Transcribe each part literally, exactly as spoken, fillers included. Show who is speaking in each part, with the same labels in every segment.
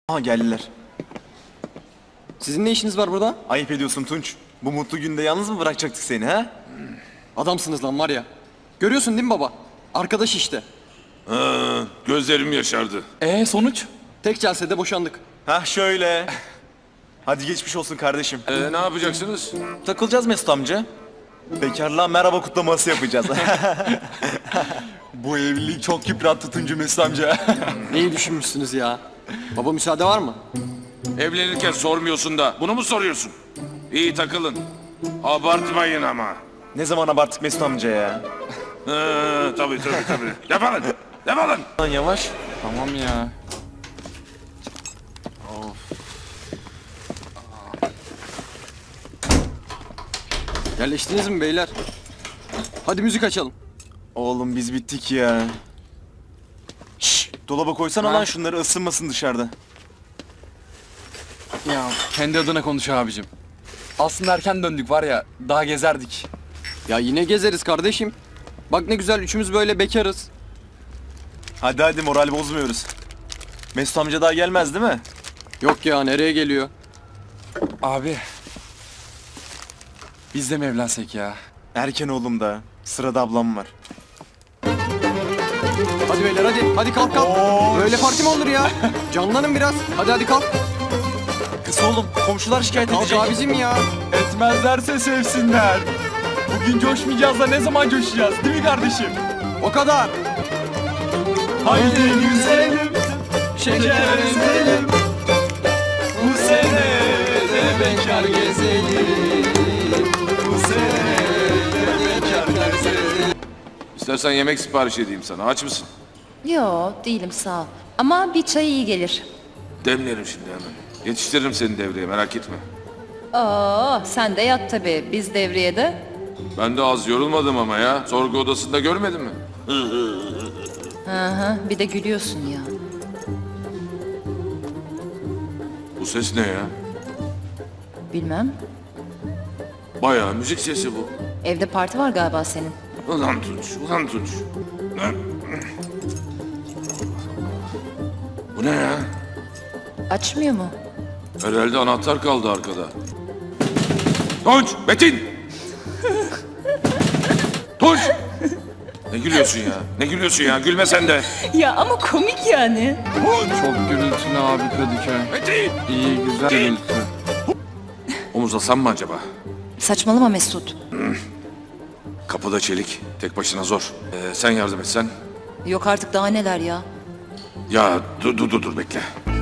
Speaker 1: Aha geldiler.
Speaker 2: Sizin ne işiniz var burada?
Speaker 1: Ayıp ediyorsun Tunç. Bu mutlu günde yalnız mı bırakacaktık seni ha?
Speaker 2: Adamsınız lan var ya. Görüyorsun değil mi baba? Arkadaş işte.
Speaker 3: Ha, gözlerim yaşardı.
Speaker 4: Ee sonuç?
Speaker 2: Tek celsede boşandık.
Speaker 1: Hah şöyle. Hadi geçmiş olsun kardeşim.
Speaker 3: Ee, ne yapacaksınız?
Speaker 1: Takılacağız Mesut amca. Bekarlığa merhaba kutlaması yapacağız. Bu evlilik çok yıprattı Tuncu Mesut amca.
Speaker 2: Neyi düşünmüşsünüz ya? Baba müsaade var mı?
Speaker 3: Evlenirken sormuyorsun da bunu mu soruyorsun? İyi takılın. Abartmayın ama.
Speaker 1: Ne zaman abarttık Mesut amca ya?
Speaker 3: Ha, tabii tabii tabii. Yapalım. Yapalım.
Speaker 1: Lan yavaş.
Speaker 4: Tamam ya.
Speaker 2: Yerleştiniz mi beyler? Hadi müzik açalım.
Speaker 1: Oğlum biz bittik ya. Şşş, dolaba koysana lan şunları, ısınmasın dışarıda.
Speaker 4: Ya kendi adına konuş abicim. Aslında erken döndük var ya, daha gezerdik.
Speaker 2: Ya yine gezeriz kardeşim. Bak ne güzel üçümüz böyle bekarız.
Speaker 1: Hadi hadi, moral bozmuyoruz. Mesut amca daha gelmez değil mi?
Speaker 2: Yok ya, nereye geliyor?
Speaker 4: Abi. Biz de mi evlensek ya?
Speaker 1: Erken oğlum da. Sırada ablam var.
Speaker 2: Hadi beyler hadi. Hadi kalk kalk. Böyle parti mi olur ya? Canlanın biraz. Hadi hadi kalk.
Speaker 1: Kız oğlum, komşular şikayet
Speaker 2: Kalk
Speaker 1: edecek.
Speaker 2: abicim ya.
Speaker 4: Etmezlerse sevsinler. Bugün coşmayacağız da ne zaman coşacağız değil mi kardeşim?
Speaker 2: O kadar.
Speaker 4: Haydi güzelim, şeker ezelim. Bu sene de bekar gezelim. Bu sene de bekar gezelim.
Speaker 3: İstersen yemek sipariş edeyim sana. Aç mısın?
Speaker 5: Yo, değilim sağ ol. Ama bir çay iyi gelir.
Speaker 3: Demlerim şimdi hemen. Yetiştiririm seni devreye, merak etme.
Speaker 5: Oo, sen de yat tabii. Biz devriyede.
Speaker 3: Ben de az yorulmadım ama ya. Sorgu odasında görmedin mi?
Speaker 5: Hı hı, bir de gülüyorsun ya.
Speaker 3: Bu ses ne ya?
Speaker 5: Bilmem.
Speaker 3: Bayağı müzik sesi bu.
Speaker 5: Evde parti var galiba senin.
Speaker 3: Ulan Tunç, ulan Tunç. Bu ne ya?
Speaker 5: Açmıyor mu?
Speaker 3: Herhalde anahtar kaldı arkada. Tunç, Metin! Tunç! Ne gülüyorsun ya? Ne gülüyorsun ya? Gülme sen de.
Speaker 5: Ya ama komik yani.
Speaker 4: Çok gürültülü abi Kadıköy.
Speaker 3: Metin!
Speaker 4: İyi güzel gürültü.
Speaker 3: Omuzlasam mı acaba?
Speaker 5: Saçmalama Mesut.
Speaker 3: Kapıda çelik. Tek başına zor. Ee, sen yardım etsen.
Speaker 5: Yok artık daha neler ya.
Speaker 3: Ya dur dur dur, dur bekle.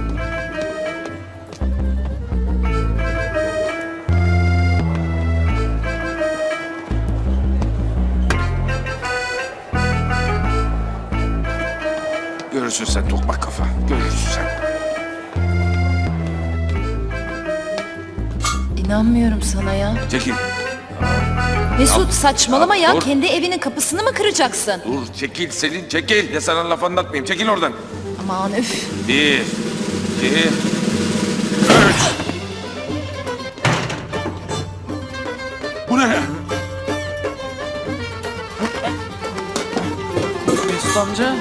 Speaker 3: Görürsün sen tokmak kafa. Görürsün sen.
Speaker 5: İnanmıyorum sana ya.
Speaker 3: Çekil.
Speaker 5: Mesut saçmalama ya.
Speaker 3: dur.
Speaker 5: Kendi evinin kapısını mı kıracaksın?
Speaker 3: Dur çekil Selin çekil. Ya sana laf anlatmayayım. Çekil oradan.
Speaker 5: Aman üf.
Speaker 3: Bir, iki, üç. Bu ne ya?
Speaker 1: Mesut amca.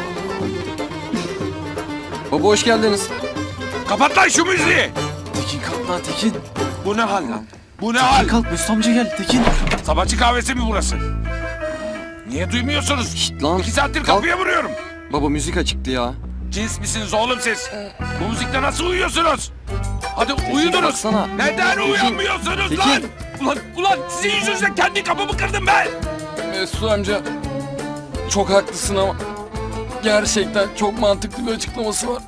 Speaker 2: Baba hoş geldiniz.
Speaker 3: Kapat lan şu müziği.
Speaker 1: Tekin kalk lan Tekin.
Speaker 3: Bu ne hal lan? Bu ne hal?
Speaker 1: Kalk Mesut amca gel Tekin.
Speaker 3: Sabahçı kahvesi mi burası? Niye duymuyorsunuz?
Speaker 2: Şşt lan.
Speaker 3: İki saattir
Speaker 2: Kalk.
Speaker 3: kapıya vuruyorum.
Speaker 2: Baba müzik açıktı ya.
Speaker 3: Cins misiniz oğlum siz? Bu müzikle nasıl uyuyorsunuz? Hadi uyudunuz.
Speaker 2: baksana.
Speaker 3: Neden
Speaker 2: Tekin,
Speaker 3: uyanmıyorsunuz
Speaker 2: Tekin.
Speaker 3: lan? Ulan, ulan sizin yüzünüzden kendi kapımı kırdım ben.
Speaker 4: Mesut amca çok haklısın ama gerçekten çok mantıklı bir açıklaması var.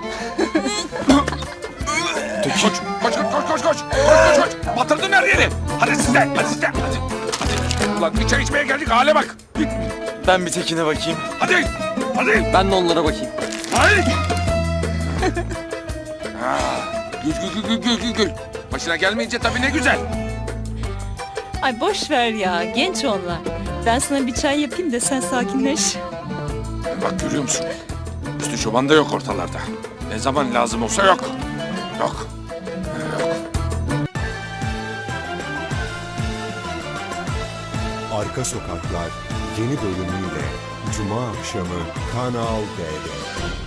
Speaker 3: Koş, koş, koş, koş, koş, koş, koş, koş, koş. Batırdın her yeri. Hadi siz de, hadi siz de, hadi. Hadi. Ulan bir çay içmeye geldik, hale bak.
Speaker 1: Ben bir Tekin'e bakayım.
Speaker 3: Hadi, hadi.
Speaker 2: Ben de onlara bakayım.
Speaker 3: Hadi. Ha, gül, gül, gül, gül, gül, gül. Başına gelmeyince tabii ne güzel.
Speaker 6: Ay boş ver ya, genç onlar. Ben sana bir çay yapayım da sen sakinleş.
Speaker 3: Bak görüyor musun? Üstü çoban da yok ortalarda. Ne zaman lazım olsa yok. Yok.
Speaker 7: Arka Sokaklar yeni bölümüyle Cuma akşamı Kanal D'de.